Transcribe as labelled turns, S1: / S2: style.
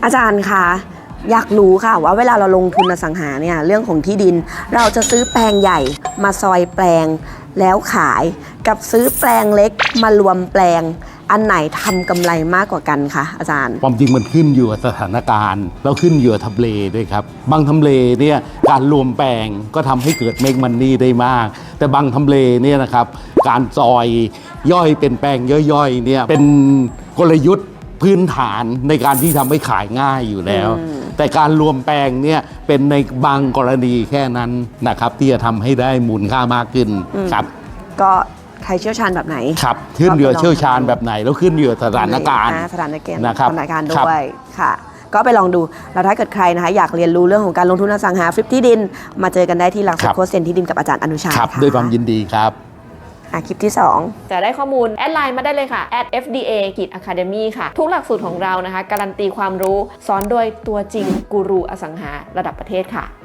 S1: อาจารย์คะอยากรู้ค่ะว่าเวลาเราลงทุนอสังหาเนี่ยเรื่องของที่ดินเราจะซื้อแปลงใหญ่มาซอยแปลงแล้วขายกับซื้อแปลงเล็กมารวมแปลงอันไหนทำกำไรมากกว่ากันคะอาจารย์
S2: ความจริงมันขึ้นอยู่กับสถานการณ์แล้วขึ้นอยู่กับทำเลด้วยครับบางทำเลเนี่ยการรวมแปลงก็ทำให้เกิดเมกมันนี่ได้มากแต่บางทำเลเนี่ยนะครับการซอยย่อยเป็นแปลงย่อยๆเนี่ยเป็นกลยุทธ์พื้นฐานในการที่ทำให้ขายง่ายอยู่แล้วแต่การรวมแปลงเนี่ยเป็นในบางกรณีแค่นั้นนะครับที่จะทำให้ได้มูลค่ามากขึ้นครับ
S1: ก็ใครเชี่ยวชาญแบบไหน
S2: ครับขึ้นอยู่กับเชี่ยวชาญแบบไหนแล้วขึ้นอยู่กับสถานการณ์
S1: สถานการณ์
S2: นะครับ
S1: สถานการณ์ด้วยค่ะก็ไปลองดูแล้วถ้าเกิดใครนะคะอยากเรียนรู้เรื่องของการลงทุนอสังหาฟลิปที่ดินมาเจอกันได้ที่หลักสูตรโค้ชเซ็นที่ดินกับอาจารย์อนุชา
S2: ครับด้วยความยินดีครับ
S1: คลิปที่2
S3: จะได้ข้อมูลแอดไลน์มาได้เลยค่ะ @fda-academy ค่ะทุกหลักสูตรของเรานะคะการันตีความรู้สอนโดยตัวจริงกูรูอสังหาระดับประเทศค่ะ